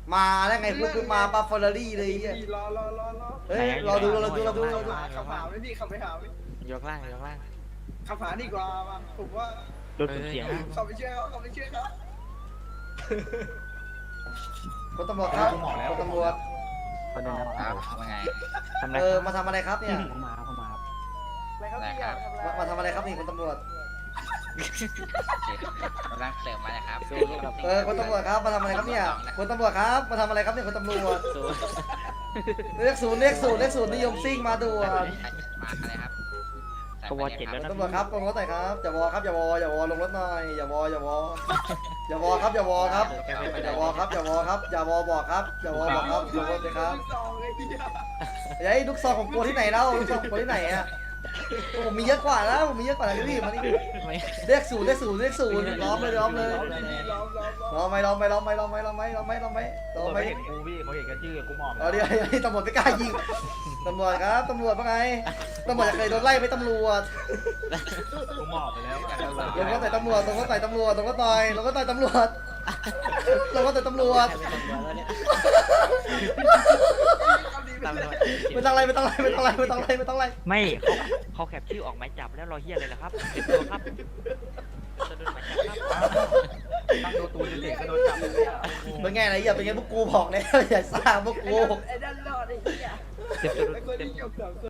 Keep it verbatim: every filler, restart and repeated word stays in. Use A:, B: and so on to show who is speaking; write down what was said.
A: มาได้ไงปุ๊บปุ๊บมาปาเฟอร์รารี่เลยไอ้เหี้ย
B: รอรอรอรอ
A: เฮ้ยรอดูรอดูรอดูรอดู
B: ขับหาไหมพี่ขับไปหาไหม
C: ยกล่างยกล่าง
B: ขับหาดีกว่ามาผมว่า
D: รถสุดเสียง
B: ขับไปช่วยเขาขับไปช่วยเขา
A: คุณตำรวจครับคุณตำรวจ
D: ประเด็นนะครับว่าไงทำอะไร
A: เออ
D: ครับ
A: มาทำอะไรครับเนี่ย
D: เข้ามาเข้ามาครับ
B: อะไรครับพี่
A: มามาทำอะไรครับนี่คุณตำรวจ
E: กำลังเสริมมานะครับ
A: เออคุณตำรวจครับมาทำอะไรครับเนี่ยคุณตำรวจครับมาทำอะไรครับเนี่ยคุณตำรวจเรียกศูนย์เรียกศูนย์เรียกศูนย์นิยมซิ่งมาด่วน
E: มาอะไรครับ
D: ก็วอเจ็ดแล้ว
A: คุณ
D: นะ
A: ตำรวจครับลงรถหน่อยครับอย่าวอครับอย่าวออย่าวอลงรถหน่อยอย่าวออย่าวออย่าวอครับอย่าวอครับอย่าวอครับอย่าวอครับอย่าวอบอกครับอย่าวอบอกครับลงรถเลยครับ
B: สองไอ้เหี้ย
A: ไอ้ลูกซองของกูที่ไหนเล่าลูกซองของกูที่ไหนอ่ะผมมีเยอะกว่าแล้วผมมีเยอะกว่าแล้วพี่มานี่เรียกศูนย์เรียกศูนย์เรียกศูนย์ล้อมเลยล้อมเลย
B: ล้อมล้อมล้อม
A: ล้อมไหมล้อมไหมล้อมไหมล้อมไหมล้อมไหมล้อมไหมล้อมไหมล้อมไหม
D: ไม่เห็นกูพี่เขาเห็นกันชื่อกูหมอบ
A: เอาดิไอ้ตำรวจไม่กล้ายิงตำรวจครับตำรวจว่าไงตำรวจจะเคยโดนไล่ไหมตำรวจ
D: กูหมอบไปแล้ว
A: ลงก็ต่อยตำรวจลงก็ต่อยตำรวจลงก็ต่อยลงก็ต่อยตำรวจลงก็ต่อยตำรวจไม่ต้องอะไรไม่ต้องอะไรไม่ต้องอะไรไม่ต้องอะไรไม่ต้องอะไร
D: ไม่เขาเขาแคปชื่อออกหมายจับแล้วรอเฮียอะไรล่ะครับเต็มตัวครับจะโดนหมายจับครับตั้งตัวตูนเด็กก็โดนจับ
A: เป็นไงอะไรอย่าเป็นไงพวกกูบอกแล้วอย่าซ่าพวกกู
B: ไอ้นั่นรอดไอ้เหี้ย
D: เต็มตัว
B: ไอ้คนที่เกี่ยวกับ